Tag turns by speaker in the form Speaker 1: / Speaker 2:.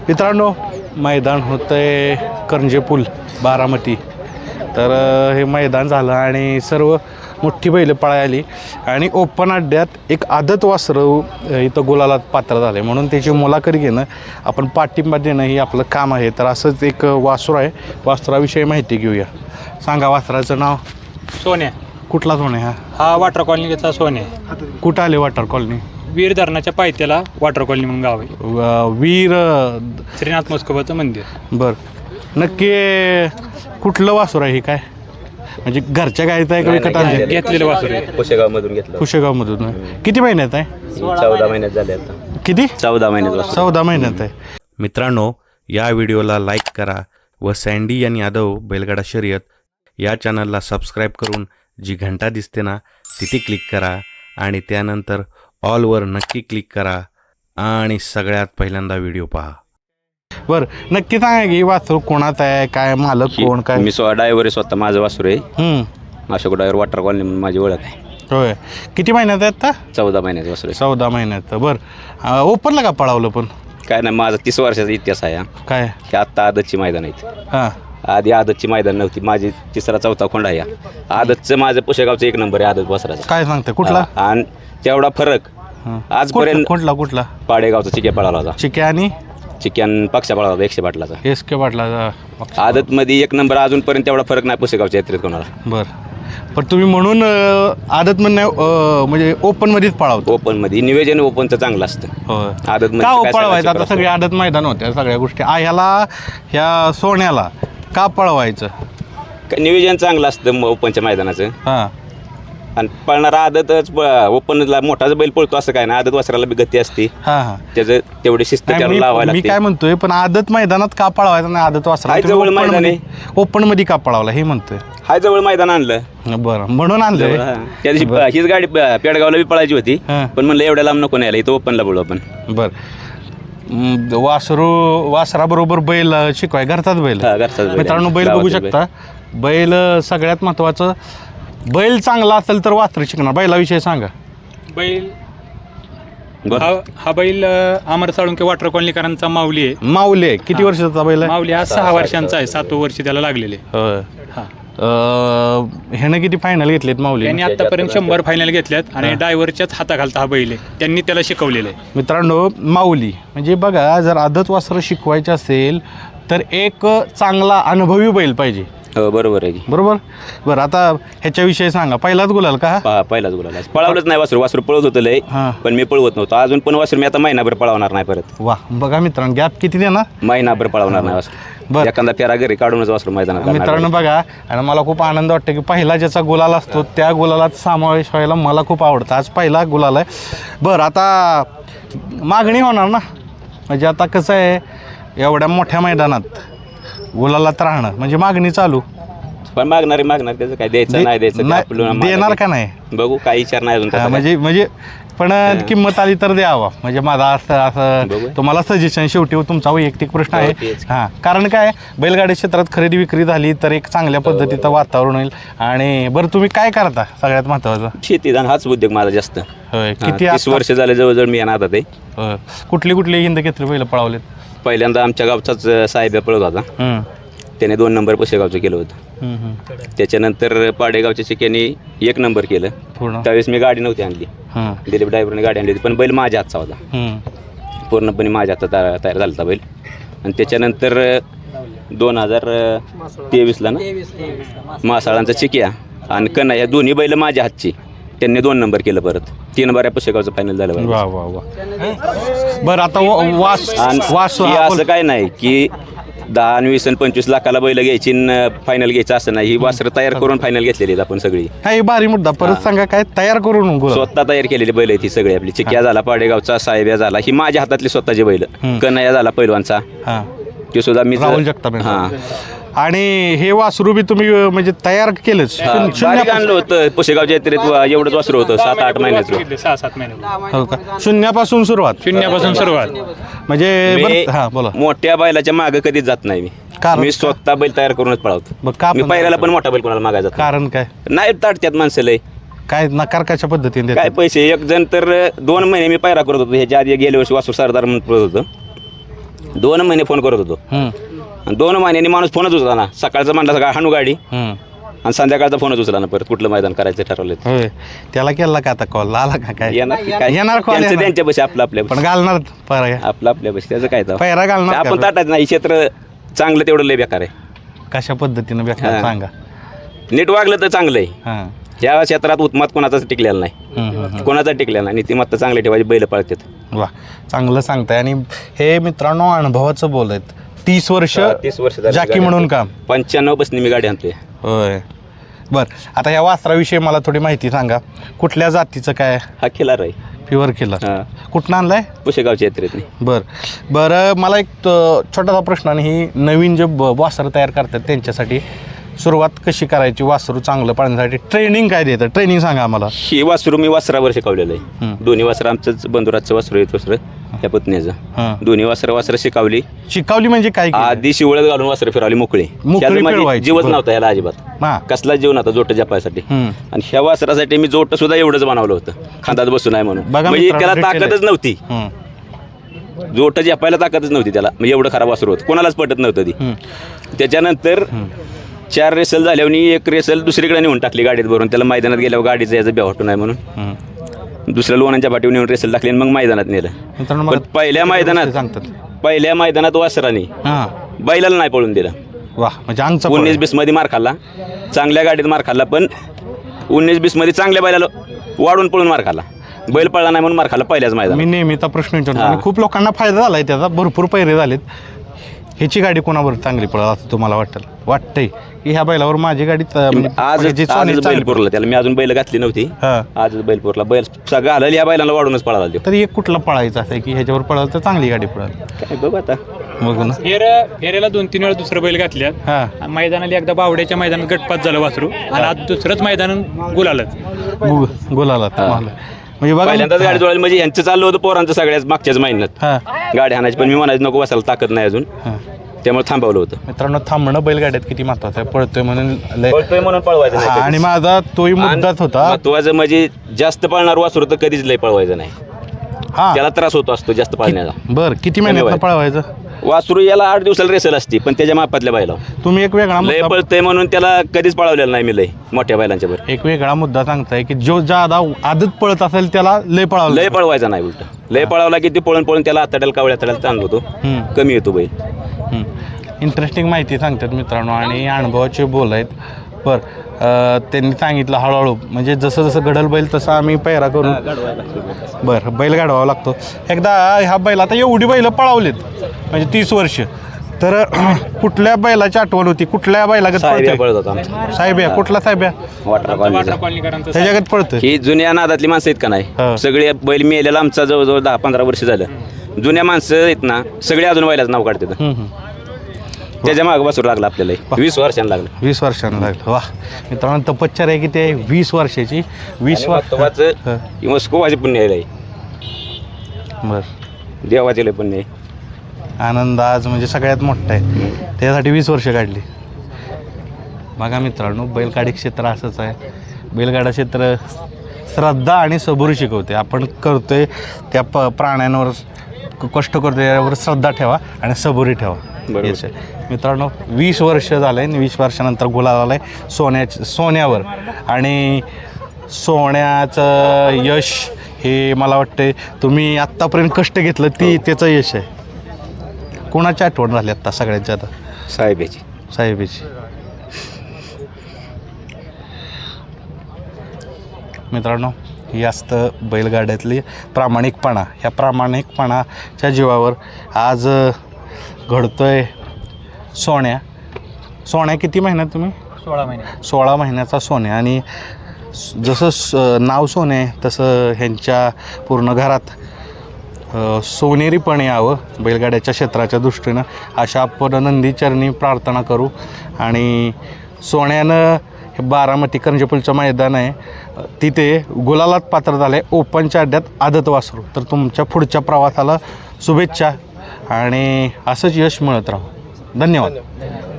Speaker 1: मित्रांनो, मैदान होतं आहे करंजे पूल बारामती. तर हे मैदान झालं आणि सर्व मोठी बैलं पळायली आणि ओपन अड्ड्यात एक आदत वासरं इथं गुलालात पात्र झाले, म्हणून त्याची मुलाखत घेणं, आपण पाठिंबा देणं हे आपलं काम आहे. तर असंच एक वासरू आहे, वासराविषयी माहिती घेऊया. सांगा वासराचं नाव.
Speaker 2: सोन्या.
Speaker 1: कुठला सोन्या?
Speaker 2: हा वॉटर कॉलनीचा सोन्या.
Speaker 1: कुठं आले वॉटर कॉलनी?
Speaker 2: वीर धरणाच्या पायथ्याला वॉटर कॉलनी म्हणून गाव आहे.
Speaker 1: वीर
Speaker 2: श्रीनाथ मोस्कोबाचं मंदिर.
Speaker 1: बरं, नक्की कुठलं वासरू आहे हे? काय म्हणजे घरच्या गायचं आहे का विकत आणले?
Speaker 2: घेतलेलं वासरू आहे.
Speaker 3: कुशेगावमधून घेतलं.
Speaker 1: कुशेगावमधून. किती महिन्यात आहे?
Speaker 3: 14 महिन्यात झाले आता.
Speaker 1: किती?
Speaker 3: 14 महिन्यात.
Speaker 1: 14 महिन्यात आहे.
Speaker 4: मित्रांनो, या व्हिडिओला लाईक करा व सँडी आणि यादव बैलगाडा शर्यत या चॅनलला सबस्क्राईब करून जी घंटा दिसते ना तिथे क्लिक करा आणि त्यानंतर ऑलवर नक्की क्लिक करा आणि सगळ्यात पहिल्यांदा व्हिडिओ पहा.
Speaker 1: बरं, नक्की सांगा की वासरू कोणाचं आहे, काय मालक कोण, काय?
Speaker 3: मी ड्रायव्हर आहे, स्वतः माझं वासरू आहे. अशोक ड्रायव्हर वॉटर कॉलनी म्हणून माझी ओळख आहे.
Speaker 1: होय. किती महिन्यात आहे आता?
Speaker 3: 14 महिन्याचं वासरू आहे.
Speaker 1: 14 महिन्यात. बरं, ओपनला का पळावलं पण?
Speaker 3: काय नाही, माझा 30 वर्षाचा इतिहास आहे.
Speaker 1: काय
Speaker 3: की आत्ता आदतची मैदान आहेत.
Speaker 1: हां,
Speaker 3: आधी आदतची मैदान नव्हती. माझी 3रा-4था खोंड आहे. आदतचं माझं पुशेगावचं 1 नंबर आहे आदत वासराचा.
Speaker 1: काय सांगते? कुठला?
Speaker 3: आणि तेवढा फरक आजपर्यंत
Speaker 1: कुठला
Speaker 3: पाडेगावचा चिक्या पळाला होता.
Speaker 1: चिक्या आणि
Speaker 3: चिक्यान पक्षा पळाला होता 100 पाटलाचा.
Speaker 1: एस.के. पाटला.
Speaker 3: आदतमध्ये 1 नंबर. अजूनपर्यंत तेवढा फरक नाही पुशेगावच्या यात्रेत कोणाला.
Speaker 1: बरं, पण तुम्ही म्हणून आदत म्हणणं म्हणजे ओपनमध्येच पळावतो?
Speaker 3: ओपनमध्ये नियोजन ओपनचं चांगलं असतं.
Speaker 1: होय.
Speaker 3: आदत
Speaker 1: का पळवायचं? आता सगळे आदत मैदान होत्या सगळ्या गोष्टी. ह्याला ह्या सोन्याला का पळवायचं?
Speaker 3: नियोजन चांगलं असतं ओपनच्या मैदानाचं.
Speaker 1: हां,
Speaker 3: आणि पळणारा आदतच ओपनला मोठाच बैल पळतो असं काय ना. आदत वासराला बी गती असते.
Speaker 1: हां हां.
Speaker 3: त्याचं तेवढी शिस्त त्याला लावायला
Speaker 1: मी
Speaker 3: लागते.
Speaker 1: काय म्हणतोय, पण आदत मैदानात का पळवायचं नाही? आदत वासरा
Speaker 3: हाय जवळ मैदान आहे.
Speaker 1: ओपन मध्ये का पळावला हे म्हणतोय.
Speaker 3: हाय जवळ मैदान आणलं.
Speaker 1: बरं, म्हणून आणलं.
Speaker 3: त्या दिवशी हीच गाडी पेडगावला बी पळायची होती,
Speaker 1: हां.
Speaker 3: पण म्हणलं एवढ्या लांब नको न्यायला, इथं ओपनला बोलू आपण.
Speaker 1: बरं, वासराबरोबर बैल शिकवाय घरचाच बैल.
Speaker 3: हा, घरचाच बैल.
Speaker 1: मित्रांनो, बैल बघू
Speaker 3: गावातील
Speaker 1: शकता. बैल सगळ्यात महत्वाचं, बैल चांगला असेल तर वासर शिकणार. बैलाविषयी सांगा.
Speaker 2: बैल
Speaker 3: बरं.
Speaker 2: हा बैल अमर साळुंके वॉटर कॉलनीकरांचा माऊली आहे.
Speaker 1: माऊली आहे. किती वर्षाचा बैल आहे?
Speaker 2: माऊली हा 6 वर्षांचा आहे. 7वं वर्ष त्याला लागलेले.
Speaker 1: होय.
Speaker 2: हा,
Speaker 1: ह्यानं किती फायनल घेतलेत माऊली?
Speaker 2: त्यांनी आतापर्यंत 100 फायनल घेतल्यात आणि ड्रायव्हरच्याच हाताखालता हा बैल आहे. त्यांनी त्याला शिकवलेलं आहे.
Speaker 1: मित्रांनो, माऊली म्हणजे बघा, जर आदत वासरं शिकवायचं असेल तर एक चांगला अनुभवी बैल पाहिजे.
Speaker 3: हो, बरोबर आहे की.
Speaker 1: बरोबर. बरं, आता ह्याच्याविषयी सांगा. पहिलाच गुलाल का?
Speaker 3: पहिलाच बोलायला पळवलंच नाही वासरू. वासरू पळवत होतं लय,
Speaker 1: हां.
Speaker 3: पण मी पळवत नव्हतो अजून. पण वासरू मी आता महिनाभर पळवणार नाही परत.
Speaker 1: वा, बघा मित्रांनो, गॅप किती देणार?
Speaker 3: महिनाभर पळवणार नाही वासरू.
Speaker 1: बरं.
Speaker 3: एखादा फेरा घरी काढूनच वासरू मैदानात घालणार.
Speaker 1: मित्रांनो बघा, आणि मला खूप आनंद वाटतो की पहिला ज्याचा गुलाल असतो त्या गुलालात समावेश व्हायला मला खूप आवडतं. आज पहिला गुलाल आहे. बरं, आता मागणी होणार ना, म्हणजे आता कसं आहे, एवढ्या मोठ्या मैदानात गुलालात राहणं म्हणजे मागणी चालू.
Speaker 3: पण मागणार त्याचं काय द्यायचं नाही द्यायचं ते आपलं
Speaker 1: देणार
Speaker 3: मागायचं.
Speaker 1: का नाही?
Speaker 3: बघू, काही विचार नाही अजून
Speaker 1: हा,
Speaker 3: तसा
Speaker 1: म्हणजे पण किंमत आली तर द्यावा. म्हणजे माझा असं
Speaker 3: बघू.
Speaker 1: तुम्हाला सजेशन, शेवटी तुमचा वैयक्तिक प्रश्न आहे.
Speaker 3: तेच.
Speaker 1: हां, कारण काय, बैलगाडी क्षेत्रात खरेदी विक्री झाली तर एक चांगल्या पद्धतीचं वातावरण होईल. आणि बरं, तुम्ही काय करता सगळ्यात महत्त्वाचं?
Speaker 3: शेती हाच उद्योग माझा जास्त.
Speaker 1: होय. किती
Speaker 3: 30 वर्ष झाले जवळजवळ मी येणार आता. ते
Speaker 1: होय. कुठली हिंद घेतली बैल पळावलेत?
Speaker 3: पहिल्यांदा आमच्या गावचाच साहेब पळत होता. त्याने 2 नंबर पुशेगावचं केलं होतं. त्याच्यानंतर पाडेगावच्या चिक्याने 1 नंबर केलं.
Speaker 1: पूर्ण.
Speaker 3: त्यावेळेस मी गाडी नव्हती आणली. दिलीप ड्रायव्हरने गाडी आणली होती, पण बैल माझ्या हातचा होता. पूर्णपणे माझ्या हातात तयार झाला होता बैल. आणि त्याच्यानंतर 2023ला ना मासाळांचा चिक्या आणि कन्हा या दोन्ही बैल माझ्या हातची. त्यांनी 2 नंबर केलं. परत 3 बाऱ्या पुशेगावचं फायनल झालं.
Speaker 1: वा वा वा. बरं, आता वास
Speaker 3: आणि असं काय नाही की 10, 20 आणि 25 लाखाला बैल घ्यायची फायनल घ्यायचं असं नाही. ही वासरं तयार करून फायनल घेतलेली आहेत आपण सगळी.
Speaker 1: हा, भारी मुद्दा. परत सांगा, काय तयार करून
Speaker 3: स्वतः तयार केलेली बैल आहेत ही सगळी. आपली चिक्या झाला, पाडेगावचा साहेब्या झाला, ही माझ्या हातातली स्वतःची बैल. कन्हैया झाला पैलवानचा, ते सुद्धा मी
Speaker 1: राहुल जगताप.
Speaker 3: हां.
Speaker 1: आणि हे वासरू बी तुम्ही म्हणजे तयार केलंच?
Speaker 3: बारीक आणलं होतं पुशेगावच्या यात्रेत. एवढंच वासरू होतं 7-8 महिन्याचं.
Speaker 2: 6-7 महिने
Speaker 1: हो का? शून्यापासून सुरुवात?
Speaker 2: शून्यापासून सुरुवात.
Speaker 1: म्हणजे हां, बोला.
Speaker 3: मोठ्या बैलाच्या मागे कधीच जात नाही मी.
Speaker 1: कारण?
Speaker 3: मी स्वतः बैल तयार करूनच पळवतो.
Speaker 1: मग का
Speaker 3: मी पहिल्याला पण मोठा बैल कोणाला मागायचा जात
Speaker 1: कारण काय?
Speaker 3: नाही. ताटत्यात माणसं लय.
Speaker 1: काय नकार कशा पद्धतीने
Speaker 3: काय पैसे. एक जण तर 2 महिने मी पायरा करत होतो. ह्याच्या आधी गेल्या वर्षी वासू सरदार म्हणून पळत होतं. 2 महिने फोन करत होतो आणि 2 महिन्यांनी माणूस फोनच उचला ना. सकाळचं म्हणलं सकाळ हाणू गाडी आणि संध्याकाळचा फोनच उचला ना. परत कुठलं मैदान करायचं ठरवलं
Speaker 1: होय. त्याला केला का आता कॉल आला का काय येणार call
Speaker 3: त्यांचं
Speaker 1: येणार.
Speaker 3: त्यांच्या बशी आपलं आपल्या
Speaker 1: पण घालणार पैरा
Speaker 3: आपलं आपल्या बशी त्याचं काय तर
Speaker 1: पैरा घालणार
Speaker 3: आपण
Speaker 1: का?
Speaker 3: ताटायचं नाही. क्षेत्र चांगलं तेवढं लय बेकार आहे.
Speaker 1: कशा पद्धतीनं बेकार
Speaker 3: हा.
Speaker 1: सांगा.
Speaker 3: नीट वागलं तर चांगलं आहे.
Speaker 1: हां
Speaker 3: ह्या क्षेत्रात उत्मात कोणाचाच टिकलेला नाही. कोणाचा टिकलेला नाही. नीतिमत्ता चांगली ठेवायची. बैल पळतात.
Speaker 1: वा चांगलं सांगताय. आणि हे मित्रांनो अनुभवाचं बोल आहेत. 30 वर्ष
Speaker 3: 30 वर्ष झाली
Speaker 1: जाकी
Speaker 3: गाडी
Speaker 1: म्हणून
Speaker 3: आणतोय.
Speaker 1: काम.
Speaker 3: 95 बसनी मी गाडी आणतोय.
Speaker 1: होय बर. आता ह्या वासराविषयी मला थोडी माहिती सांगा. कुठल्या जातीचं काय?
Speaker 3: हा खिलार आहे.
Speaker 1: प्युअर केलं.
Speaker 3: हा
Speaker 1: कुठनं आणलाय?
Speaker 3: पुशेगावच्या यात्रेत नाही.
Speaker 1: बरं मला एक छोटासा प्रश्न. आणि ही नवीन जे वासरं तयार करतात त्यांच्यासाठी सुरुवात कशी करायची? वासरू चांगलं पाळण्यासाठी ट्रेनिंग काय देतं? ट्रेनिंग सांगा आम्हाला.
Speaker 3: ही वासरू मी वासरावर शिकवलेलं आहे. दोन्ही वासरं आमचंच बंधुराजचं वासरू येत वासरं ह्या पत्नीचं. दोन्ही वासरं शिकवली.
Speaker 1: शिकवली म्हणजे काय केलं?
Speaker 3: आधी शिवळत घालून वासरं फिरवली मोकळी.
Speaker 1: फिरवायची.
Speaker 3: जीवच नव्हता ह्याला अजिबात.
Speaker 1: हां
Speaker 3: कसला जीव नव्हता जोट जपायसाठी. आणि ह्या वासरासाठी मी जोट सुद्धा एवढंच बनवलं होतं. खांदात बसून आहे म्हणून.
Speaker 1: बघा
Speaker 3: म्हणजे
Speaker 1: मित्रांनो,
Speaker 3: त्याला ताकदच नव्हती. जोट जपायला ताकदच नव्हती त्याला. म्हणजे एवढं खराब वासरू होतं. कोणालाच पटत नव्हतं ती. त्याच्यानंतर 4 रेसल झाल्यावर 1 रेसल दुसरीकडे नेऊन टाकली गाडीत भरून. त्याला मैदानात गेल्यावर गाडीचं याचं बेवाटून आहे म्हणून दुसऱ्या लोणांच्या पाठीवर नेऊन रेसल टाकली आणि मग मैदानात नेलं. पण पहिल्या मैदानात वासराने बैलाला नाही पळून दिलं.
Speaker 1: वा म्हणजे आमचा
Speaker 3: 19-20 मध्ये मार खाल्ला. चांगल्या गाडीत मार खाल्ला. पण 19-20 मध्ये चांगल्या बैलाला वाढून पळून मार खाल्ला. बैल पळला नाही म्हणून मार खाल्ला पहिल्याच
Speaker 1: मी
Speaker 3: मैदानात.
Speaker 1: नेहमीचा प्रश्न विचारतो. आणि खूप लोकांना फायदा झाला आहे त्याचा. भरपूर पैरे झालेत. ह्याची गाडी कोणावर चांगली पळत असं तुम्हाला वाटतंय की ह्या बैलावर माझी गाडी
Speaker 3: आजच बैलपूरला त्याला मी अजून बैल घातली नव्हती. आजच बैलपूरला बैल सगळं आलं. या बैलाला वाढूनच पळाला.
Speaker 1: तरी एक कुठला पळायचा असं की ह्याच्यावर पळालं तर चांगली गाडी पळाल.
Speaker 3: काय बघ आता
Speaker 1: बघू ना.
Speaker 2: फेऱ्याला 2-3 वेळा दुसरं बैल घातल्यात.
Speaker 1: हां
Speaker 2: मैदानाला एकदा बावड्याच्या मैदानात गटपात झालं वासरू आणि आज दुसरंच मैदान गुलालच.
Speaker 1: गुलाला म्हणजे बघा
Speaker 3: पहिल्यांदाच गाडी जोडायला. म्हणजे यांचं चाललं होतं पोरांचं सगळ्याच मागच्याच महिन्यात गाडी हाणायची. पण मी म्हणायचं नको बसायला ताकद नाही अजून. त्यामुळे थांबवलं होतं.
Speaker 1: मित्रांनो थांबणं बैलगाड्यात किती महत्वाचं आहे. पळतोय
Speaker 3: म्हणून पळवायचं नाही.
Speaker 1: आणि माझा तोही मुद्दाच होता.
Speaker 3: महत्वाचं म्हणजे जास्त पळणार वासरू तर कधीच लय पळवायचं नाही.
Speaker 1: हा
Speaker 3: त्याला त्रास होतो असतो जास्त पळण्याचा.
Speaker 1: बरं किती महिन्यात पळवायचं?
Speaker 3: वासरू याला 8 दिवसाला रेसल असते. पण त्याच्या मापातल्या बैला
Speaker 1: तुम्ही एक वेगळा
Speaker 3: लय पळतंय म्हणून त्याला कधीच पळवलेलं नाही मी लय मोठ्या बैलांच्या बरोबर.
Speaker 1: एक वेगळा मुद्दा सांगताय की जो ज्यादा आदत पळत असेल त्याला लय पळावलं.
Speaker 3: लय पळवायचा नाही. उलट लय पळवला की ते पळून त्याला आतड्याला कावळ्या तड्याला ताण होतो. कमी येतो बैल.
Speaker 1: इंटरेस्टिंग माहिती सांगतात मित्रांनो. आणि अनुभवाचे बोल आहेत. त्यांनी सांगितलं हळूहळू म्हणजे जसं जसं घडल बैल तसं आम्ही पैरा करून बरं बैल गाडवावा लागतो. एकदा ह्या बैल आता एवढी बैलं पळावलीत म्हणजे 30 वर्ष. तर कुठल्या बैलाची आठवण होती? कुठल्या बैलागत
Speaker 3: पळत होता
Speaker 1: साहेब या कुठला साहेब या त्याच्यागत पळतोय?
Speaker 3: ही जुन्या नादातली माणसं आहेत का नाही. सगळे बैल मेलेला आमचा जवळजवळ 10-15 वर्ष झालं. जुन्या माणसं आहेत ना सगळे अजून बैलाचं नाव काढतात. त्याच्या मागं बसून लागलं आपल्याला. 20 वर्षांना लागलं.
Speaker 1: 20 वर्षांना लागलं. वा मित्रांनो तपश्चर्या किती आहे? 20 वर्षाची. 20
Speaker 3: महत्वाचं मस्कोवाचे पुण्य आहे.
Speaker 1: बरं
Speaker 3: देवाचे लय पुण्य आहे.
Speaker 1: आनंद आज म्हणजे सगळ्यात मोठा आहे. त्यासाठी 20 वर्ष काढली. बघा मित्रांनो बैलगाडी क्षेत्र असंच आहे. बैलगाडा क्षेत्र श्रद्धा आणि सबुरी शिकवते. आपण करतोय त्या प्राण्यांवर कष्ट करतोय यावर श्रद्धा ठेवा आणि सबुरी ठेवा. मित्रांनो 20 वर्ष झालं आहे. 20 वर्षानंतर गुलाल आला आहे सोन्यावर. आणि सोन्याचं यश हे मला वाटतं तुम्ही आत्तापर्यंत कष्ट घेतलं त्याचं यश आहे. कोणाची आठवण झाली आत्ता सगळ्यात जादा? साहेबाची. मित्रांनो ही असतं बैलगाड्यातली प्रामाणिकपणा. ह्या प्रामाणिकपणाच्या जीवावर आज घडतोय सोन्या किती महिन्यात तुम्ही? 16 महिन्याचा सोन्या. आणि जसं नाव सोने तसं ह्यांच्या पूर्ण घरात सोनेरीपणे यावं बैलगाड्याच्या क्षेत्राच्या दृष्टीनं अशा आपण नंदीचरणी प्रार्थना करू. आणि सोन्यानं हे बारामती करंजेपूलचं मैदान आहे तिथे गुलालात पात्र झालं आहे. ओपनच्या अड्ड्यात आदत वासरू. तर तुमच्या पुढच्या प्रवासाला शुभेच्छा आणि असंच यश मिळत राहू. धन्यवाद.